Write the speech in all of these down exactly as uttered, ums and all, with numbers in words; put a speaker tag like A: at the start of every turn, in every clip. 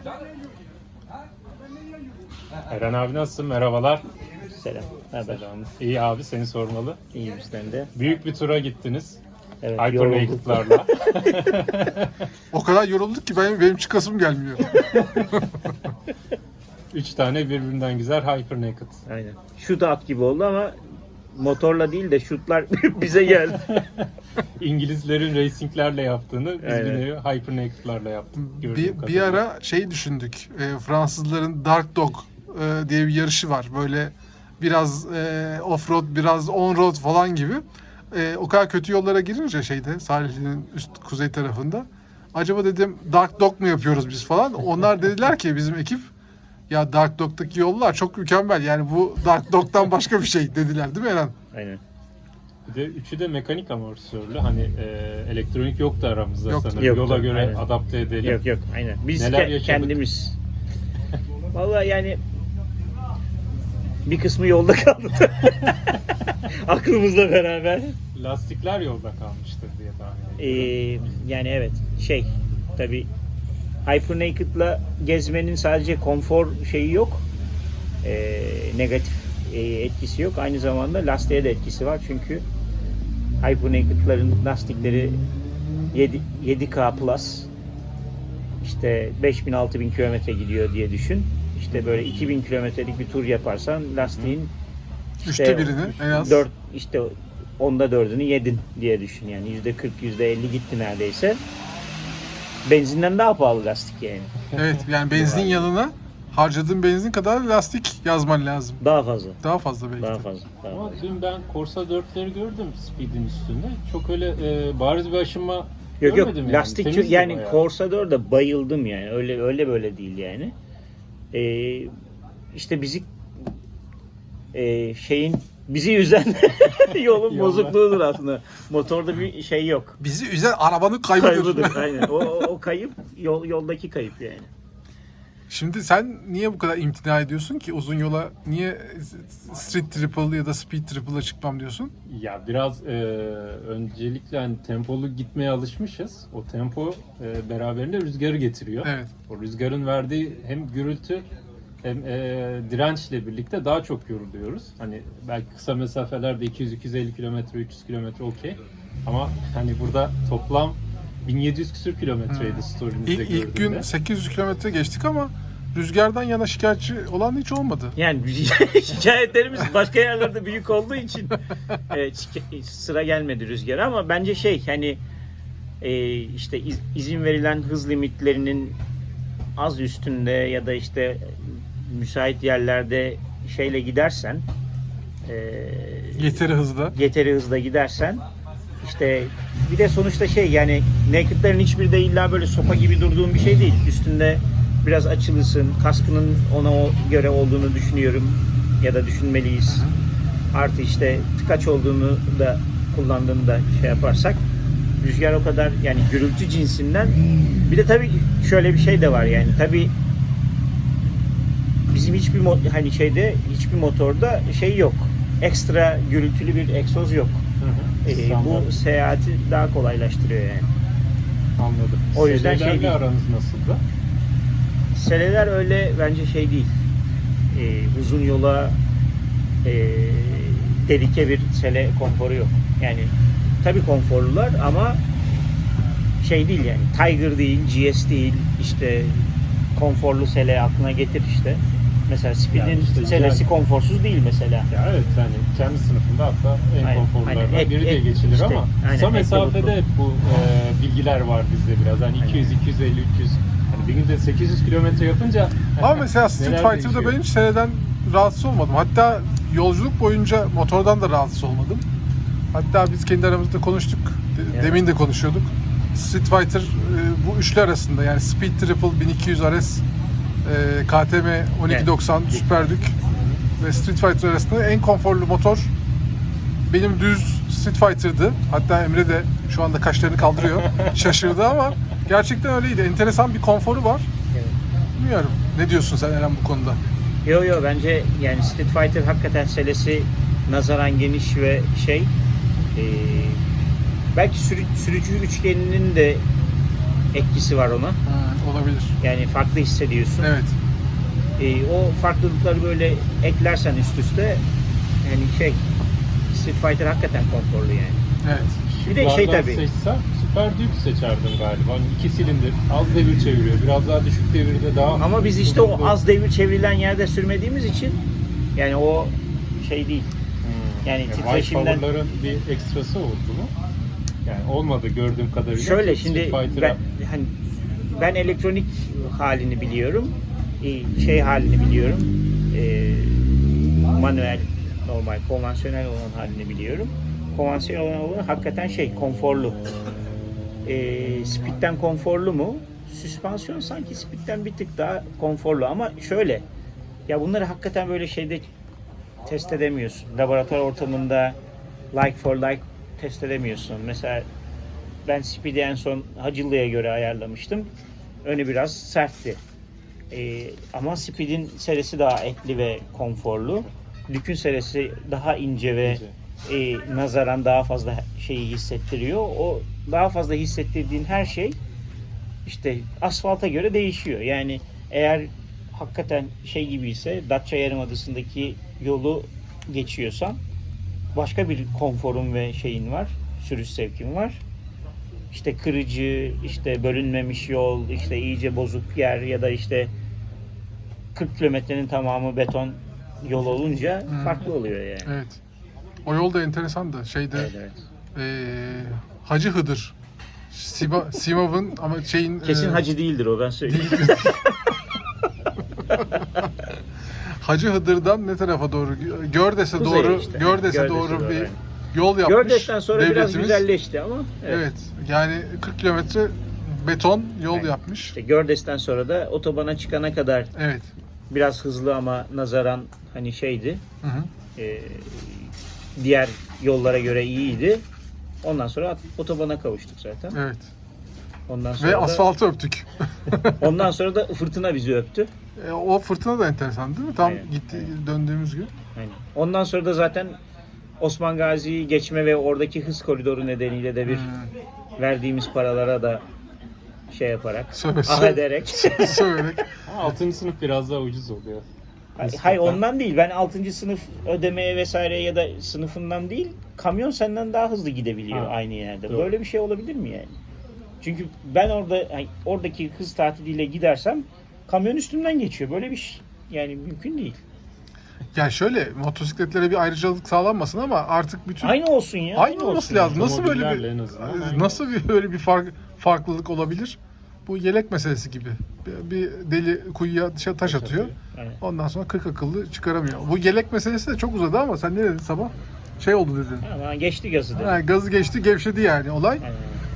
A: Eren abi nasılsın? Merhabalar.
B: Selam. Haber.
A: Selam. İyi abi, seni sormalı.
B: İyi bizden de.
A: Büyük bir tura gittiniz.
B: Evet,
A: Hypernaked'larla.
C: O kadar yorulduk ki benim, benim çıkasım gelmiyor.
A: Üç tane birbirinden güzel Hypernaked.
B: Aynen. Şut at gibi oldu ama motorla değil de şutlar bize geldi.
A: İngilizlerin racinglerle yaptığını biz
B: Aynen.
A: bir nevi Hypernaked'larla yaptık. gördüğüm
C: bir, bir
A: kadarıyla.
C: ara şey düşündük. E, Fransızların Dark Dog e, diye bir yarışı var. Böyle biraz e, off-road, biraz on-road falan gibi. E, o kadar kötü yollara girince şeyde sahilin üst kuzey tarafında. Acaba dedim Dark Dog mu yapıyoruz biz falan. Onlar dediler ki bizim ekip ya Dark Dog'daki yollar çok mükemmel. Yani bu Dark Dog'dan başka bir şey dediler değil mi Eren?
B: Aynen.
A: Bir de üçü de mekanik amortisörlü. Hani e, elektronik yoktu aramızda
C: Yoktu.
A: sanırım.
B: Yoktu,
A: Yola göre
B: aynen.
A: adapte edelim.
B: Yok yok aynen. Biz
A: Neler
B: ke-
A: yaşadık?
B: kendimiz. Vallahi yani bir kısmı yolda kaldı. Aklımızla beraber.
A: Lastikler yolda kalmıştır diye tahmin ediyorum.
B: Ee, yani evet şey tabi Hypernaked'la gezmenin sadece konfor şeyi yok. Ee, negatif e, etkisi yok. Aynı zamanda lastiğe de etkisi var. Çünkü Hypernaked'ların lastikleri yedi, yedi K Plus işte beş bin altı bin kilometre gidiyor diye düşün. İşte böyle iki bin kilometrelik bir tur yaparsan lastiğin
C: Üçte birini en az.
B: dört işte onda dördünü yedin diye düşün yani yüzde kırk yüzde elli gitti neredeyse. Benzinden daha pahalı lastik yani.
C: Evet yani benzin yanına harcadığın benzin kadar lastik yazman lazım.
B: Daha fazla.
C: Daha fazla belki.
B: Daha
C: de.
B: fazla. Daha
A: Ama
B: fazla.
A: dün ben Corsa dörtleri gördüm Speed'in üstünde. Çok öyle e, bariz bir aşınma
B: Yok yok
A: görmedim yani.
B: lastik çok-
A: Temizdi
B: yani
A: bayağı.
B: Corsa dörde bayıldım yani. Öyle öyle böyle değil yani. Ee, işte bizi e, şeyin bizi üzen yolun
A: Yolda.
B: bozukluğudur aslında. Motorda bir şey yok.
C: Bizi üzen arabanın kaybıdır.
B: Kaybıdır aynen. O, o, o kayıp yol yoldaki kayıp yani.
C: Şimdi sen niye bu kadar imtina ediyorsun ki uzun yola? Niye street triple ya da speed triple'a çıkmam diyorsun?
A: Ya biraz e, öncelikle hani tempolu gitmeye alışmışız. O tempo e, beraberinde rüzgarı getiriyor.
C: Evet.
A: O rüzgarın verdiği hem gürültü hem e, dirençle birlikte daha çok yoruluyoruz. Hani belki kısa mesafelerde iki yüz iki yüz elli kilometre, üç yüz kilometre okey. Ama hani burada toplam bin yedi yüz küsür kilometreydi
C: Hmm.
A: story'nizde
C: İlk, ilk gün
A: gördüğümde.
C: sekiz yüz kilometre geçtik ama rüzgardan yana şikayetçi olan hiç olmadı.
B: Yani şikayetlerimiz başka yerlerde büyük olduğu için e, şike- sıra gelmedi rüzgara ama bence şey hani e, işte iz- izin verilen hız limitlerinin az üstünde ya da işte müsait yerlerde şeyle gidersen e,
C: Yeteri hızda.
B: yeteri hızla gidersen işte bir de sonuçta şey yani naked'lerin hiçbiri de illa böyle sopa gibi durduğun bir şey değil. Üstünde biraz açılısın. Kaskının ona o göre olduğunu düşünüyorum ya da düşünmeliyiz. Artı işte tıkaç olduğunu da kullandığını da şey yaparsak rüzgar o kadar yani gürültü cinsinden bir de tabii şöyle bir şey de var yani tabii bizim hiçbir mo- hani şeyde hiçbir motorda şey yok. Ekstra gürültülü bir egzoz yok.
A: Hı hı.
B: Ee,
A: Standart.
B: bu seyahati daha kolaylaştırıyor yani.
A: Anladım.
B: o yüzden şey
A: Selelerle
B: değil.
A: aranız nasıldı?
B: Seleler öyle bence şey değil. Ee, uzun yola e, dedike bir sele konforu yok. Yani tabii konforlular ama şey değil yani. Tiger değil, G S değil. İşte konforlu sele aklına getir işte. Mesela Speed'in
A: Yani işte
B: selesi
A: güzel.
B: konforsuz değil mesela.
A: Ya evet yani kendi sınıfında hatta en
B: Aynen,
A: konforlulardan
B: aynen. Ek-
A: biri diye
B: ek-
A: geçilir
B: işte,
A: ama
B: aynen,
A: kısa
B: ek
A: mesafede
B: bulutlu.
A: hep bu e, bilgiler var bizde biraz. Hani iki yüz, iki yüz elli, üç yüz. Hani bir günde sekiz yüz kilometre yapınca
C: Ama mesela Street
A: neler
C: Fighter'da
A: değişiyor?
C: ben hiç seneden rahatsız olmadım. Hatta yolculuk boyunca motordan da rahatsız olmadım. Hatta biz kendi aramızda konuştuk. De-
B: Evet.
C: Demin de konuşuyorduk. Street Fighter e, bu üçlü arasında yani Speed Triple bin iki yüz R S, e, K T M on iki doksan Super Duke ve Street Fighter arasında en konforlu motor benim düz Street Fighter'dı. Hatta Emre de şu anda kaşlarını kaldırıyor. Şaşırdı ama gerçekten öyleydi. Enteresan bir konforu var.
B: Evet.
C: Bilmiyorum. Ne diyorsun sen Eren bu konuda?
B: Yo yo bence yani Street Fighter hakikaten selesi nazaran geniş ve şey e, belki sürü, sürücü üçgeninin de etkisi var ona.
C: Ha, olabilir.
B: Yani farklı hissediyorsun.
C: Evet.
B: E, o farklılıkları böyle eklersen üst üste yani şey Street Fighter hakikaten konforlu yani.
C: Evet.
B: Bir de şey
A: Şıklardan
B: tabii.
A: seçsem Super Duke seçerdim galiba. Hani iki silindir, az devir çeviriyor. Biraz daha düşük devirde daha...
B: Ama biz işte o
A: uzun
B: az devir çevrilen yerde sürmediğimiz için yani o şey değil.
A: Hmm.
B: Yani
A: Yani
B: titreşimden-
A: Power'ların bir ekstrası oldu mu? Yani olmadı gördüğüm kadarıyla.
B: Şöyle
A: Street
B: şimdi
A: Fighter'a-
B: ben hani ben elektronik halini biliyorum. e, Şey halini biliyorum. e, Manuel, normal, konvansiyonel olan halini biliyorum. Konvansiyonel olan olan hakikaten şey konforlu. E, Speed'den konforlu mu? Süspansiyon sanki Speed'den bir tık daha konforlu ama şöyle ya bunları hakikaten böyle şeyde test edemiyorsun. Laboratuvar ortamında like for like test edemiyorsun. Mesela ben Speed'i en son Hacıllı'ya göre ayarlamıştım. Önü biraz sertti. Ee, ama Speed'in serisi daha etli ve konforlu. Duke'ün serisi daha ince ve e, nazaran daha fazla şeyi hissettiriyor. O daha fazla hissettirdiğin her şey işte asfalta göre değişiyor. Yani eğer hakikaten şey gibi ise Datça Yarımadası'ndaki yolu geçiyorsan başka bir konforun ve şeyin var. Sürüş zevkin var. İşte kırıcı, işte bölünmemiş yol, işte iyice bozuk yer ya da işte kırk kilometrenin tamamı beton yol olunca
C: Hmm.
B: farklı oluyor yani.
C: Evet. O yol da enteresan da şeyde
B: Evet, evet.
C: eee, Hacı Hıdır. Sima, Simav'ın ama şeyin
B: Kesin
C: eee,
B: hacı değildir o ben söyleyeyim.
C: Hacı Hıdır'dan ne tarafa doğru? Gördes'e
B: Kuzeye
C: doğru,
B: işte.
C: Gördes'e
B: Gördes'e
C: doğru
B: doğru,
C: bir
B: yani.
C: yol yapmış.
B: Gördes'ten sonra biraz
C: devletimiz.
B: güzelleşti ama evet.
C: Evet. Yani kırk kilometre beton yol
B: Evet.
C: yapmış.
B: İşte Gördes'ten sonra da otobana çıkana kadar
C: Evet.
B: biraz hızlı ama nazaran hani şeydi.
C: Hı hı.
B: e, diğer yollara göre iyiydi. Ondan sonra otobana kavuştuk zaten.
C: Evet.
B: Ondan sonra
C: Ve
B: da,
C: asfaltı öptük.
B: ondan sonra da fırtına bizi öptü.
C: E, o fırtına da enteresan değil mi? Tam
B: Aynen,
C: gitti
B: aynen.
C: döndüğümüz gün.
B: Yani ondan sonra da zaten Osman Gazi'yi geçme ve oradaki hız koridoru nedeniyle de bir
C: Hmm.
B: verdiğimiz paralara da şey yaparak,
C: Söve,
B: ah
C: söve.
B: ederek.
C: Söyleyerek.
A: Ama altıncı sınıf biraz daha ucuz oluyor.
B: Hayır,
A: Nispeten.
B: ondan değil. Ben altıncı sınıf ödemeye vesaire ya da sınıfından değil, kamyon senden daha hızlı gidebiliyor
A: Ha,
B: aynı yerde.
A: doğru.
B: Böyle bir şey olabilir mi yani? Çünkü ben orada hani oradaki hız tatiliyle gidersem kamyon üstümden geçiyor. Böyle bir şey yani mümkün değil.
C: Ya şöyle motosikletlere bir ayrıcalık sağlanmasın ama artık bütün
B: Aynı olsun ya.
C: aynı olması
B: olsun.
C: lazım. Nasıl böyle
A: Otomobillerle
C: bir
A: en azından aynı.
C: nasıl bir böyle bir fark, farklılık olabilir? Bu yelek meselesi gibi. Bir, bir deli kuyuya dışa- taş atıyor.
B: Evet.
C: Ondan sonra kırk akıllı çıkaramıyor. Bu yelek meselesi de çok uzadı ama sen ne dedin sabah? Şey oldu dedin.
B: Ama geçti gazı da.
C: Ha, gazı geçti, gevşedi yani olay.
B: Yani,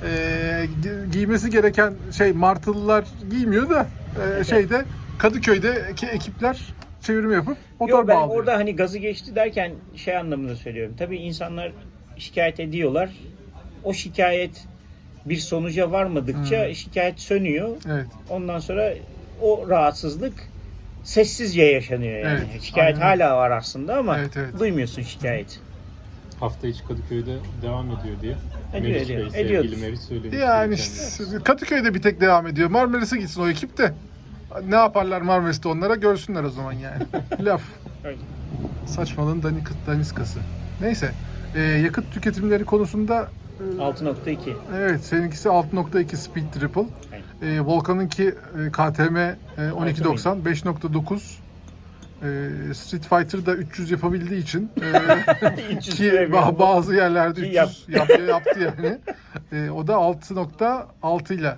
C: Ee, gi- giymesi gereken şey martılılar giymiyor da e, şeyde Kadıköy'deki ekipler çevirme yapıp motor
B: Yok ben
C: bağlıyor.
B: orada hani gazı geçti derken şey anlamında söylüyorum. Tabii insanlar şikayet ediyorlar. O şikayet bir sonuca varmadıkça
C: Hmm.
B: şikayet sönüyor.
C: Evet.
B: Ondan sonra o rahatsızlık sessizce yaşanıyor yani.
C: Evet,
B: Şikayet
C: aynen.
B: hala var aslında ama
C: Evet, evet.
B: duymuyorsun şikayet.
A: Hafta içi Kadıköy'de devam ediyor diye.
B: Ediyor,
A: Meriç
B: ediyor.
A: Bey, sevgili
B: Ediyoruz.
A: Meriç söylemişti.
C: Yani
A: geçen
C: işte
A: gün.
C: Kadıköy'de bir tek devam ediyor. Marmaris'e gitsin o ekip de. Ne yaparlar Marmaris'te onlara görsünler o zaman yani. Laf.
B: Öyle.
C: Saçmalığın danik, daniskası. Neyse. Ee, yakıt tüketimleri konusunda e,
B: altı nokta iki.
C: evet seninkisi altı nokta iki Speed Triple.
B: Aynen.
C: Ee, Volkan'ınki e, K T M e, on iki doksan beş nokta dokuz. Ee, Street Fighter da üç yüz yapabildiği için e,
B: üç yüz
C: ki
B: yapıyor.
C: ba- bazı yerlerde
B: Ki
C: üç yüz
B: yap.
C: yaptı, yaptı yani. Ee, o da altı nokta altı ile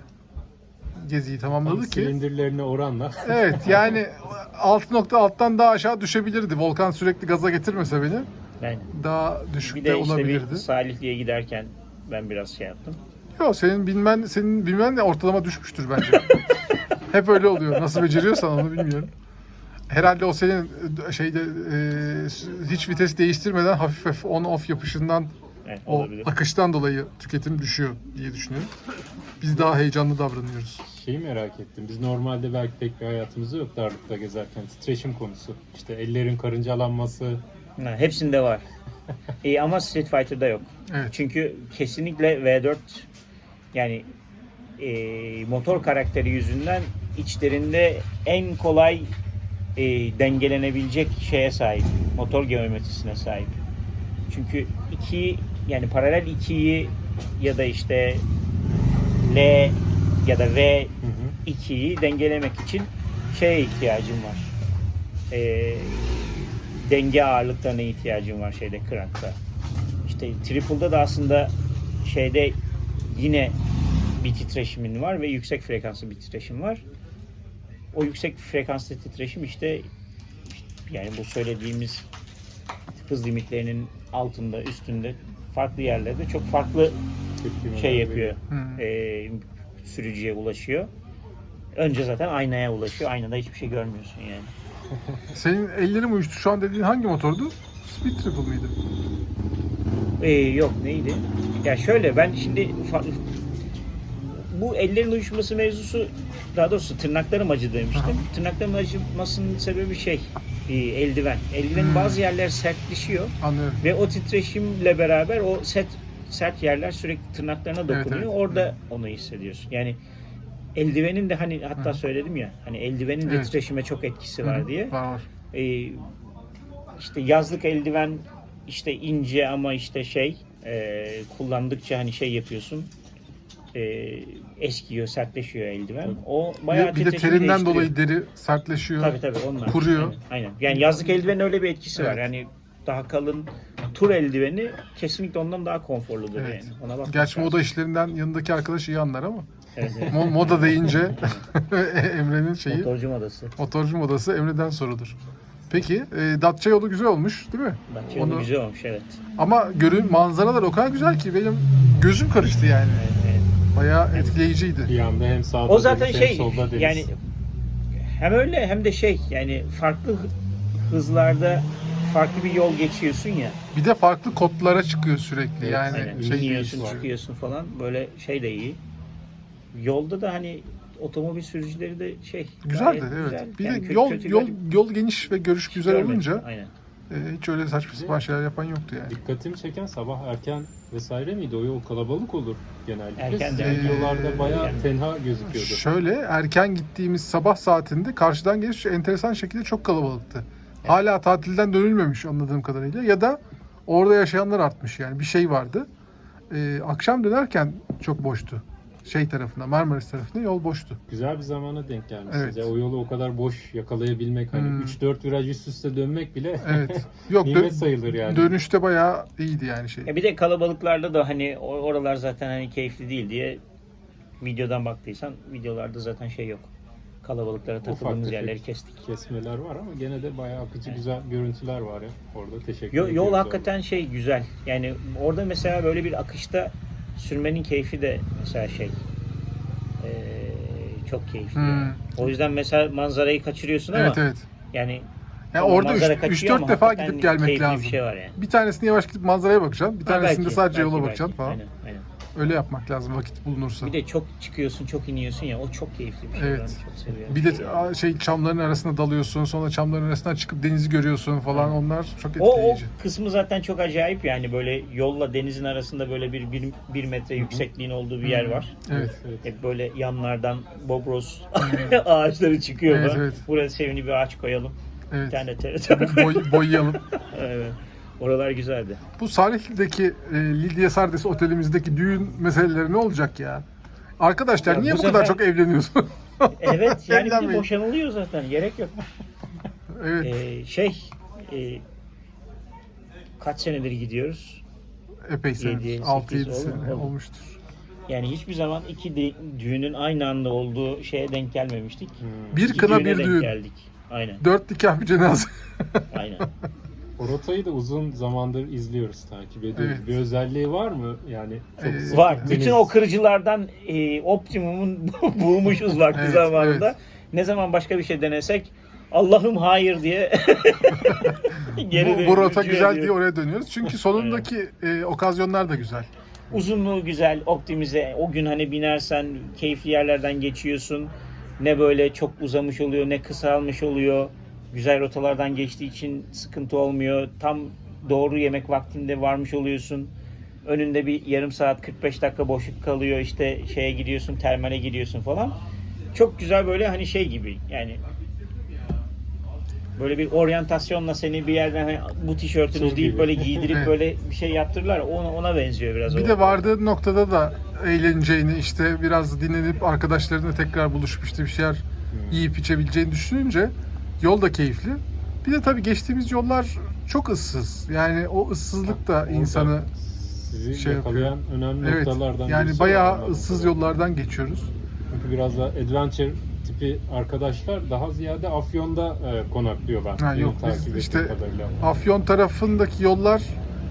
C: geziyi
A: Tam
C: tamamladı ki.
A: silindirlerine oranla.
C: Evet yani altı nokta alttan daha aşağı düşebilirdi. Volkan sürekli gaza getirmese beni
B: Yani
C: daha
B: bir
C: düşük de
B: de işte
C: olabilirdi.
B: bir Salihli'ye giderken ben biraz şey yaptım.
C: Yok senin bilmen senin bilmen de ortalama düşmüştür bence. Hep öyle oluyor. Nasıl beceriyorsan onu bilmiyorum. Herhalde o senin e, şeyde e, hiç vites değiştirmeden hafif hafif on off yapışından
B: Evet,
C: o
B: olabilir.
C: akıştan dolayı tüketim düşüyor diye düşünüyorum. Biz daha heyecanlı davranıyoruz.
A: Şeyi merak ettim. Biz normalde belki pek bir hayatımız yok darlıkta gezerken. Titreşim konusu. İşte ellerin karıncalanması.
B: Ha, hepsinde var. İyi ama Street Fighter'da yok.
C: Evet.
B: Çünkü kesinlikle V dört yani e, motor karakteri yüzünden içlerinde en kolay e, dengelenebilecek şeye sahip. Motor geometrisine sahip. Çünkü iki yani paralel ikiyi ya da işte L ya da V ikiyi dengelemek için şeye ihtiyacım var. E, denge ağırlıklarına ihtiyacım var şeyde crankta. İşte triple'da da aslında şeyde yine bir titreşimin var ve yüksek frekanslı bir titreşim var. O yüksek frekanslı titreşim işte yani bu söylediğimiz hız limitlerinin altında, üstünde, farklı yerlerde çok farklı şey yapıyor.
C: Hmm.
B: E, sürücüye ulaşıyor. Önce zaten aynaya ulaşıyor. Aynada hiçbir şey görmüyorsun yani.
C: Senin ellerin uyuştu. Şu an dediğin hangi motordu? Speed Triple mıydı?
B: Ee, yok neydi? Ya şöyle ben şimdi fa- bu ellerin uyuşması mevzusu daha doğrusu tırnaklarım acı demiştim.
C: Aha.
B: Tırnaklarımın acımasının sebebi şey e, eldiven. Eldivenin
C: Hmm.
B: bazı yerler sertleşiyor
C: Anlıyorum.
B: ve o titreşimle beraber o sert sert yerler sürekli tırnaklarına dokunuyor.
C: Evet, evet.
B: Orada onu hissediyorsun. Yani eldivenin de hani hatta
C: Hı.
B: söyledim ya hani eldivenin de
C: Evet.
B: titreşime çok etkisi
C: Hı
B: var
C: hı.
B: diye.
C: Var var.
B: Ee, işte yazlık eldiven işte ince ama işte şey e, kullandıkça hani şey yapıyorsun e, eskiyor, sertleşiyor eldiven. O
C: Bir
B: bayağı
C: de, bir de
B: titreşimi
C: terinden
B: değiştiriyor.
C: dolayı deri sertleşiyor.
B: Tabii tabii onlar.
C: kuruyor.
B: Aynen, aynen. Yani yazlık eldivenin öyle bir etkisi var.
C: Evet.
B: Yani daha kalın tur eldiveni kesinlikle ondan daha konforludur
C: Evet.
B: yani. Ona bakmak
C: Gerçi
B: lazım.
C: moda işlerinden yanındaki arkadaş iyi anlar ama
B: Evet, evet.
C: mo- moda deyince Emre'nin şeyi
B: Motorcu modası.
C: motorcu modası Emre'den sorulur. Peki e, Datça yolu güzel olmuş değil mi?
B: Datça yolu
C: Onu-
B: güzel olmuş evet.
C: Ama görün manzaralar o kadar güzel ki benim gözüm karıştı yani.
B: Evet, evet.
C: Bayağı etkileyiciydi.
A: Bir anda hem sağda
B: O zaten
A: deniz, hem
B: şey
A: solda deniz.
B: yani hem öyle hem de şey yani farklı hı- hızlarda farklı bir yol geçiyorsun ya.
C: Bir de farklı kodlara çıkıyor sürekli.
A: Evet,
C: yani
B: Aynen.
C: şey
B: İniyorsun,
C: değişiyor.
B: çıkıyorsun falan. Böyle şey de iyi. Yolda da hani otomobil sürücüleri de şey
C: Güzeldi
B: gayet
C: evet.
B: güzel.
C: Bir
B: Yani
C: de
B: kötü-
C: yol
B: kötü
C: yol
B: bir-
C: yol geniş ve görüş güzel
B: görmedim.
C: olunca
B: Aynen.
C: e, hiç öyle saçma sapan şeyler yapan yoktu yani.
A: Dikkatimi çeken sabah erken vesaire miydi? O yol kalabalık olur genellikle.
B: Erken
A: Sizin
B: de.
A: videolarda bayağı
B: Yani.
A: tenha gözüküyordu.
C: Şöyle erken gittiğimiz sabah saatinde karşıdan geliş enteresan şekilde çok kalabalıktı. Hala tatilden dönülmemiş anladığım kadarıyla ya da orada yaşayanlar artmış yani bir şey vardı. Ee, akşam dönerken çok boştu. Şey tarafına Marmaris tarafına yol boştu.
A: Güzel bir zamana denk gelmişsiniz.
C: Evet.
A: Ya, o yolu o kadar boş yakalayabilmek hani
C: Hmm.
A: üç dört viraj üst üste dönmek bile
C: Evet. Yok dö-
A: nimet sayılır yani.
C: dönüşte bayağı iyiydi yani şey.
B: Ya bir de kalabalıklarda da hani o- oralar zaten hani keyifli değil diye videodan baktıysan videolarda zaten şey yok. Kalabalıklara takıldığımız
A: tefek
B: yerleri kestik.
A: kesmeler var ama gene de bayağı akıcı güzel görüntüler var ya orada. Teşekkür
B: Yo-
A: ediyoruz.
B: yol
A: abi.
B: hakikaten şey güzel. Yani orada mesela böyle bir akışta sürmenin keyfi de mesela şey eee, çok keyifli.
C: Hmm.
B: yani. O yüzden mesela manzarayı kaçırıyorsun ama
C: Evet evet.
B: yani
C: Yani
B: tamam,
C: orada
B: manzara
C: üç
B: kaçıyor
C: dört
B: ama
C: defa
B: hakikaten
C: gidip gelmek
B: keyifli
C: lazım.
B: Bir şey var yani.
C: Bir tanesini yavaş gidip manzaraya bakacaksın. Bir
B: Ha,
C: tanesinde
B: belki,
C: sadece
B: belki,
C: yola
B: belki.
C: bakacaksın falan.
B: Aynen, aynen.
C: Öyle yapmak lazım vakit bulunursa.
B: Bir de çok çıkıyorsun, çok iniyorsun ya. O çok keyifli bir şey.
C: Evet.
B: Ben çok seviyorum.
C: Bir de a, şey çamların arasına dalıyorsun, sonra çamların arasından çıkıp denizi görüyorsun falan. Onlar çok
B: O, o
C: etkileyici.
B: kısmı zaten çok acayip yani böyle yolla denizin arasında böyle bir bir, bir metre yüksekliğin olduğu bir yer
C: Hı hı.
B: var.
C: Evet.
A: Evet.
B: Hep böyle yanlardan bobros ağaçları çıkıyor.
C: Evet,
B: falan.
C: evet.
B: Buraya sevimli bir ağaç koyalım. Bir
C: Evet.
B: tane T R T
C: Bo- boy- boyayalım.
B: Evet. Oralar güzeldi.
C: Bu Salihli'deki e, Lidya Sardes otelimizdeki düğün meseleleri ne olacak ya? Arkadaşlar
B: Ya
C: niye
B: bu
C: bu kadar
B: sefer-
C: çok evleniyorsun?
B: Evet yani bir de
C: Evlenmeyin.
B: boşanılıyor zaten. Gerek yok.
C: Evet.
B: Ee, şey e, kaç senedir gidiyoruz?
C: Epey sene.
B: yedi,
C: altı yedi
B: sekiz oldu mu?
C: sene
B: Oldu.
C: olmuştur.
B: Yani hiçbir zaman iki de- düğünün aynı anda olduğu şeye denk gelmemiştik.
A: Hmm.
C: Bir
B: İki
C: kına
B: düğüne
C: bir
B: denk
C: düğün.
B: geldik. Aynen.
C: Dört nikah bir cenaze.
B: Aynen.
A: O rotayı da uzun zamandır izliyoruz, takip ediyoruz.
C: Evet.
A: Bir özelliği var mı? Yani çok
C: Ee,
A: sık
B: Var.
A: deniz-
B: Bütün o kırıcılardan e, optimumun bulmuşuz vakti
C: Evet,
B: zamanında.
C: evet.
B: Ne zaman başka bir şey denesek Allah'ım hayır diye geri
C: bu,
B: de-
C: bu rota
B: rücu
C: güzel
B: ediyor.
C: diye oraya dönüyoruz. Çünkü sonundaki e, okazyonlar da güzel.
B: Uzunluğu güzel, optimize. O gün hani binersen keyifli yerlerden geçiyorsun. Ne böyle çok uzamış oluyor, ne kısalmış oluyor. Güzel rotalardan geçtiği için sıkıntı olmuyor. Tam doğru yemek vaktinde varmış oluyorsun. önünde bir yarım saat kırk beş dakika boşluk kalıyor, işte şeye gidiyorsun, termale gidiyorsun falan. Çok güzel böyle hani şey gibi yani böyle bir oryantasyonla seni bir yerden hani bu tişörtünüz
A: Tur
B: deyip
A: gibi.
B: böyle giydirip
C: Evet.
B: böyle bir şey yaptırırlar. Ona, ona benziyor biraz.
C: Bir
B: o.
C: de vardığı noktada da eğleneceğini, işte biraz dinlenip arkadaşlarına tekrar buluşup işte bir şeyler yiyip içebileceğini düşününce yol da keyifli. Bir de tabii geçtiğimiz yollar çok ıssız. Yani o ıssızlık da
A: Orada
C: insanı
A: sizi
C: şey
A: yakalayan önemli
C: evet,
A: noktalardan
C: yani
A: birisi o
C: bayağı
A: anlamda.
C: ıssız yollardan geçiyoruz.
A: Çünkü biraz da adventure tipi arkadaşlar daha ziyade Afyon'da e, konaklıyorlar.
C: Ha,
A: Benim
C: yok, biz
A: takip ettiğim
C: işte
A: kadarıyla.
C: Afyon tarafındaki yollar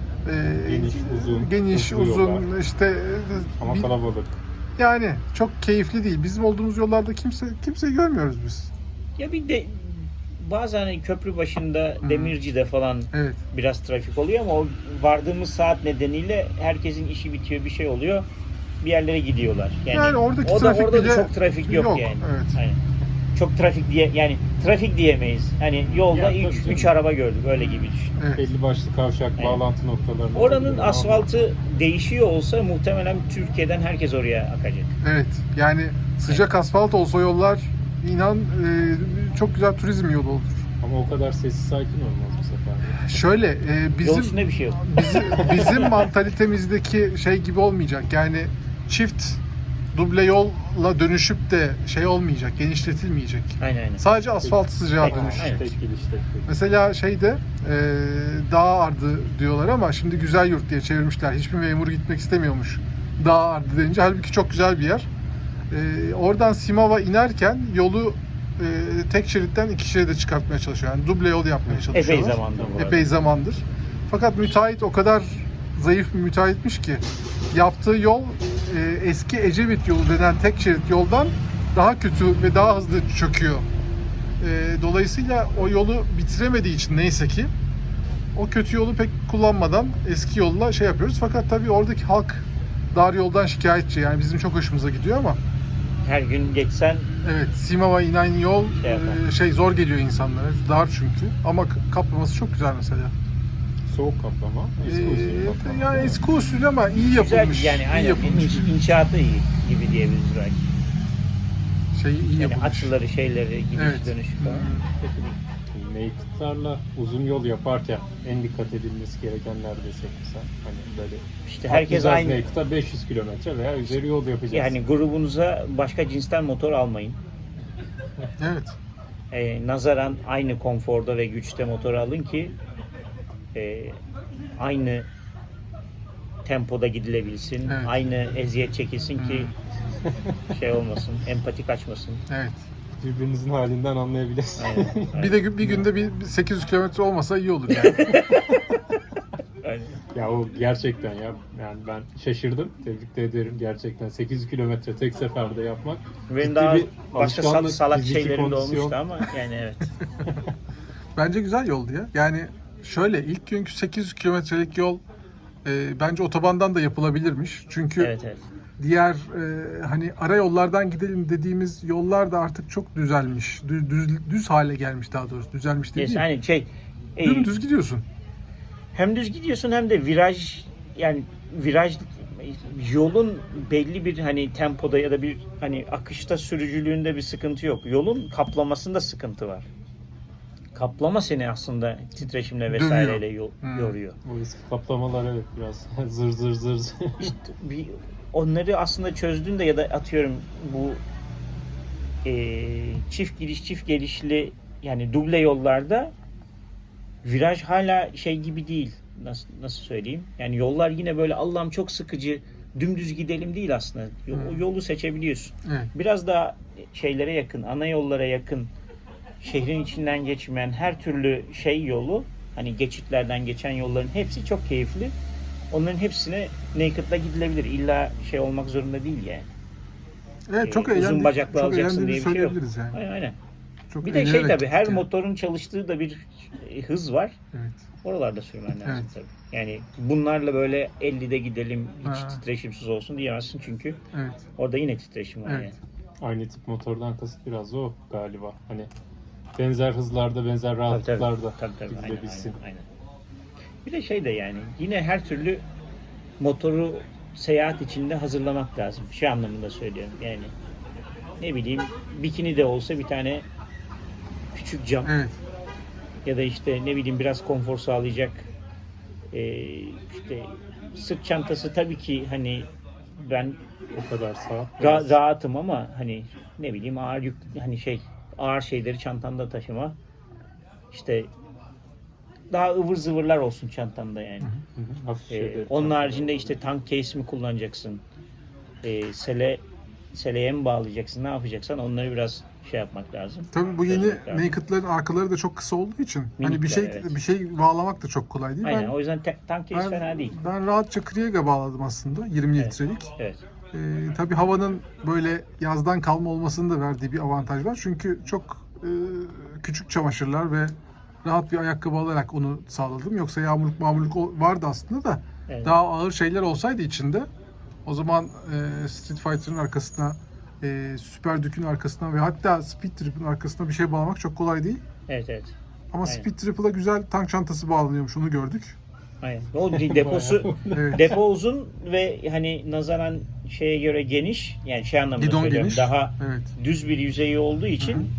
C: e,
A: Geniş, uzun,
C: geniş,
A: hızlı
C: uzun
A: yollar.
C: işte
A: Ama
C: bir-
A: kalabalık.
C: yani çok keyifli değil. Bizim olduğumuz yollarda kimse kimseyi görmüyoruz biz.
B: Ya bir de bazen hani köprü başında
C: Hı.
B: Demirci'de falan
C: Evet.
B: biraz trafik oluyor ama o vardığımız saat nedeniyle herkesin işi bitiyor, bir şey oluyor. Bir yerlere gidiyorlar. Yani,
C: Yani oradaki
B: o da,
C: trafik
B: orada da
C: bile
B: çok trafik yok,
C: yok,
B: yani.
C: evet.
B: Aynen. Çok trafik diye yani trafik diyemeyiz. Hani yolda
A: Ya, tabii
B: üç
A: canım.
B: üç araba gördük öyle gibi düşün.
C: Evet.
A: Belli başlı kavşak
B: Evet.
A: bağlantı noktalarında.
B: Oranın
A: olabilir ama
B: asfaltı değişiyor olsa muhtemelen Türkiye'den herkes oraya akacak.
C: Evet. Yani sıcak asfalt olsa yollar inan e, çok güzel turizm yolu olur.
A: Ama o kadar sessiz sakin olmaz bu sefer. de.
C: Şöyle e,
B: Yol
C: bizim
B: üstünde bir şey yok.
C: bizim, bizim mantalitemizdeki şey gibi olmayacak. Yani çift duble yolla dönüşüp de şey olmayacak, genişletilmeyecek.
B: Aynen aynen.
C: Sadece asfalt sıcağa
B: Peki,
C: dönüşecek.
B: aynen.
A: Tek gidiş tek gidiş.
C: Mesela şeyde e, Dağ Ardı diyorlar ama şimdi Güzel Yurt diye çevirmişler. Hiçbir memur gitmek istemiyormuş Dağ Ardı deyince. Halbuki çok güzel bir yer. E, oradan Simav'a inerken yolu e, tek şeritten iki şeride çıkartmaya çalışıyor. Yani duble yol yapmaya çalışıyorlar.
B: Epey zamandır bu arada.
C: Epey zamandır. Fakat müteahhit o kadar zayıf bir müteahhitmiş ki yaptığı yol e, eski Ecevit yolu denen tek şerit yoldan daha kötü ve daha hızlı çöküyor. E, dolayısıyla o yolu bitiremediği için neyse ki o kötü yolu pek kullanmadan eski yolla şey yapıyoruz. Fakat tabii oradaki halk dar yoldan şikayetçi. Yani bizim çok hoşumuza gidiyor ama
B: Her gün geçsen
C: evet, Simav'a inen yol
B: Şey yapar.
C: e, şey zor geliyor insanlara. Dar çünkü. Ama k- kaplaması çok güzel mesela.
A: Soğuk kaplama. Eski usul
C: Ee,
A: kaplama.
C: yani eski usul ama iyi
B: güzel
C: yapılmış.
B: yani
C: iyi
B: aynen
C: yapılmış.
B: inş- inşaatı iyi gibi diyebiliriz belki.
C: Şey iyi
B: Yani
C: yapılmış.
B: açıları şeyleri gidiş
C: Evet.
B: dönüş falan. Kötü değil.
A: Naked'larla uzun yol yaparken en dikkat edilmesi gerekenler desek mesela. Hani böyle
B: İşte herkes
A: atlayacağız
B: aynı.
A: Naked'a beş yüz kilometre veya üzeri yol yapacağız.
B: Yani grubunuza başka cinsten motor almayın.
C: Evet.
B: Ee, nazaran aynı konforda ve güçte motor alın ki e, aynı tempoda gidilebilsin.
C: Evet.
B: Aynı eziyet çekilsin ki şey olmasın, empati kaçmasın.
C: Evet.
A: birbirinizin halinden anlayabilirsiniz.
B: Aynen. aynen.
C: Bir de bir günde bir bir sekiz yüz kilometre olmasa iyi olur yani.
B: Aynen.
A: Ya o gerçekten ya yani ben şaşırdım. Tebrik de ederim gerçekten. sekiz yüz kilometre tek seferde yapmak.
B: Benim
A: ciddi
B: daha
A: bir
B: başka sal-
A: alışkanlık,
B: salak
A: fiziki
B: şeylerim de
A: kondisyon.
B: olmuştu ama yani evet.
C: Bence güzel yoldu ya. Yani şöyle ilk günkü sekiz yüz kilometrelik yol e, bence otobandan da yapılabilirmiş. Çünkü
B: Evet evet.
C: diğer e, hani ara yollardan gidelim dediğimiz yollar da artık çok düzelmiş. Düz, düz, düz hale gelmiş daha doğrusu. Düzelmiş değil.
B: Yes, hani şey e,
C: Dümdüz gidiyorsun.
B: hem düz gidiyorsun hem de viraj yani viraj yolun belli bir hani tempoda ya da bir hani akışta sürücülüğünde bir sıkıntı yok. Yolun kaplamasında sıkıntı var. Kaplama seni aslında titreşimle vesaireyle yo-
C: Hmm.
B: yoruyor.
A: Bu eski kaplamalar evet biraz zır zır zır zır.
B: İşte bir, onları aslında çözdüğünde ya da atıyorum bu e, çift gidiş çift gelişli yani duble yollarda viraj hala şey gibi değil. Nasıl nasıl söyleyeyim? Yani yollar yine böyle Allah'ım çok sıkıcı dümdüz gidelim değil aslında. Yo- O
C: Hmm.
B: yolu seçebiliyorsun.
C: Evet.
B: Biraz daha şeylere yakın, ana yollara yakın, şehrin içinden geçmeyen her türlü şey yolu, hani geçitlerden geçen yolların hepsi çok keyifli. Onların hepsine naked'la gidilebilir. İlla şey olmak zorunda değil yani.
C: Evet çok
B: Ee, uzun
C: eğlendik.
B: bacaklı
C: çok
B: alacaksın
C: eğlendiğimizi
B: diye bir şey yok.
C: söyleyebiliriz yani.
B: Aynen aynen.
C: Çok
B: Bir de şey
C: eğlenerek
B: tabii her
C: gittik yani.
B: motorun çalıştığı da bir e, hız var.
C: Evet.
B: Oralarda sürmen lazım
C: Evet.
B: tabii. Yani bunlarla böyle ellide gidelim hiç
C: Ha.
B: titreşimsiz olsun diyemezsin çünkü
C: Evet.
B: orada yine titreşim var
C: Evet.
B: yani.
A: Aynı tip motordan kasıt biraz o galiba. Hani benzer hızlarda, benzer
B: Tabii,
A: rahatlıklarda
B: tabii, tabii, aynen,
A: gidilebilsin.
B: aynen, aynen. Bir de şey de yani yine her türlü motoru seyahat içinde hazırlamak lazım. Şu anlamında söylüyorum. Yani ne bileyim bikini de olsa bir tane küçük cam
C: Evet.
B: ya da işte ne bileyim biraz konfor sağlayacak e, işte sırt çantası tabii ki hani ben
A: O kadar sağ.
B: Ra- rahatım ama hani ne bileyim ağır yük hani şey ağır şeyleri çantanda taşıma işte daha ıvır zıvırlar olsun çantanda yani.
A: Hı hı, hafif
B: Ee,
A: şeyleri
B: onun
A: çantaya
B: haricinde
A: alalım.
B: işte tank case mi kullanacaksın? Ee, sele seleye mi bağlayacaksın? Ne yapacaksan onları biraz şey yapmak lazım.
C: Tabii bu yeni
B: Çözmek lazım.
C: Naked'ların arkaları da çok kısa olduğu için hani bir
B: Minikler,
C: şey
B: evet.
C: bir şey bağlamak da çok kolay değil.
B: Aynen.
C: Ben
B: O yüzden te- tank case
C: ben,
B: fena değil.
C: ben rahatça Krieg'e bağladım aslında yirmi
B: Evet.
C: litrelik.
B: Evet.
C: Ee, tabii havanın böyle yazdan kalma olmasının da verdiği bir avantaj var. Çünkü çok e, küçük çamaşırlar ve rahat bir ayakkabı alarak onu sağladım. Yoksa yağmurluk mağmurluk o- vardı aslında da
B: Evet.
C: daha ağır şeyler olsaydı içinde o zaman e, Street Fighter'ın arkasına, e, Super Duke'ün arkasına ve hatta Speed Trip'in arkasına bir şey bağlamak çok kolay değil.
B: Evet evet.
C: Ama
B: Aynen.
C: Speed Trip'e güzel tank çantası bağlanıyormuş, onu gördük.
B: Aynen. O deposu
C: Evet.
B: depo uzun ve hani nazaran şeye göre geniş. Yani şey anlamında
C: Gidon
B: söylüyorum.
C: geniş.
B: Daha
C: Evet.
B: düz bir yüzeyi olduğu için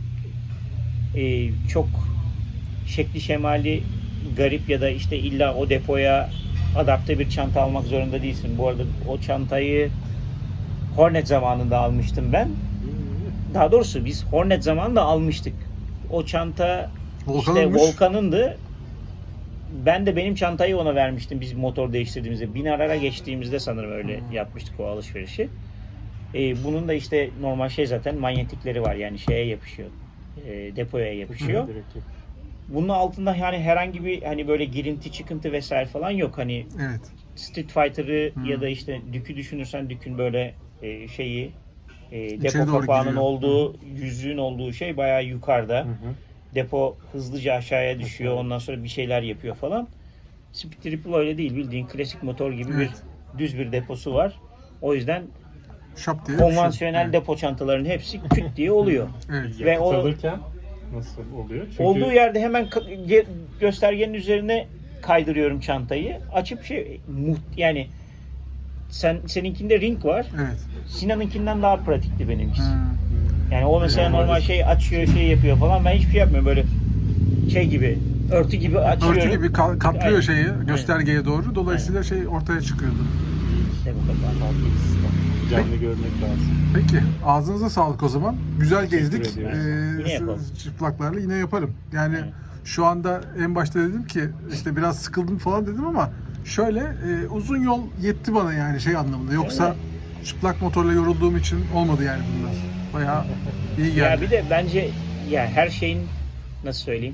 B: e, çok şekli şemali garip ya da işte illa o depoya adapte bir çanta almak zorunda değilsin. Bu arada o çantayı Hornet zamanında almıştım ben. Daha doğrusu biz Hornet zamanında almıştık. O çanta işte
C: Volkan'ınmış.
B: Volkan'ındı. Ben de benim çantayı ona vermiştim biz motor değiştirdiğimizde. Binarara geçtiğimizde sanırım öyle yapmıştık o alışverişi. Ee, bunun da işte normal şey zaten manyetikleri var yani şeye yapışıyor. E, depoya yapışıyor.
A: Direkt yok.
B: Bunun altında yani herhangi bir hani böyle girinti çıkıntı vesaire falan yok. Hani
C: Evet.
B: Street Fighter'ı
C: Hmm.
B: ya da işte Duke'ü düşünürsen Duke'ün böyle e, şeyi e,
C: İçeri
B: depo
C: doğru
B: kapağının
C: giriyor.
B: olduğu, yüzüğün olduğu şey bayağı yukarıda.
A: Hı hı.
B: Depo hızlıca aşağıya düşüyor.
A: Aşağı.
B: Ondan sonra bir şeyler yapıyor falan. Speed Triple öyle değil. Bildiğin klasik motor gibi
C: Evet.
B: bir düz bir deposu var. O yüzden
C: Şap diye
B: konvansiyonel
C: evet.
B: depo çantaların hepsi küt diye oluyor.
C: Evet.
B: Ve o-
A: Yakıt alırken nasıl oluyor? Çünkü
B: Olduğu yerde hemen ka- ge- göstergenin üzerine kaydırıyorum çantayı. Açıp şey muht- yani sen seninkinde ring var.
C: Evet.
B: Sinan'ınkinden daha pratikti benimkisi.
C: Hmm.
B: Yani o mesela
A: Yani
B: normal
A: orada-
B: şey açıyor, şey yapıyor falan. Ben hiçbir şey yapmıyorum böyle şey gibi, örtü gibi açıyorum.
C: Örtü gibi ka- kaplıyor
B: Aynen.
C: şeyi göstergeye doğru. Dolayısıyla şey ortaya çıkıyordu.
B: İşte bu kadar.
A: farklı bir sistem. Canlı görmek lazım.
C: Peki ağzınıza sağlık o zaman. Güzel gezdik.
A: ediyoruz.
C: Ee,
B: Yine yapalım.
C: çıplaklarla yine yaparım. Yani
B: Evet.
C: şu anda en başta dedim ki işte biraz sıkıldım falan dedim ama şöyle e, uzun yol yetti bana yani şey anlamında. Yoksa
B: Öyle.
C: çıplak motorla yorulduğum için olmadı yani bunlar. Bayağı iyi geldi.
B: Ya bir de bence ya her şeyin nasıl söyleyeyim?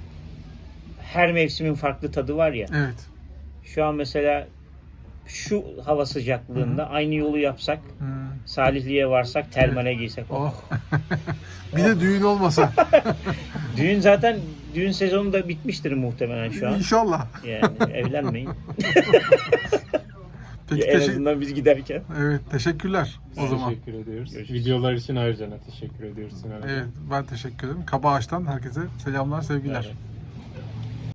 B: Her mevsimin farklı tadı var ya.
C: Evet.
B: Şu an mesela şu hava sıcaklığında aynı yolu yapsak,
C: Hmm.
B: Salihli'ye varsak, termale giysek.
C: Oh. Bir de düğün olmasa.
B: Düğün zaten düğün sezonu da bitmiştir muhtemelen şu an.
C: İnşallah.
B: Yani evlenmeyin.
C: Peki
B: en
C: teşekkür.
B: azından biz giderken.
C: Evet, teşekkürler o zaman.
A: Teşekkür ediyoruz.
B: Görüşürüz.
A: Videolar için ayrıca teşekkür ediyoruz Sinan.
C: Evet, ben teşekkür ederim. Kaba Ağaç'tan herkese selamlar, sevgiler.
A: Evet.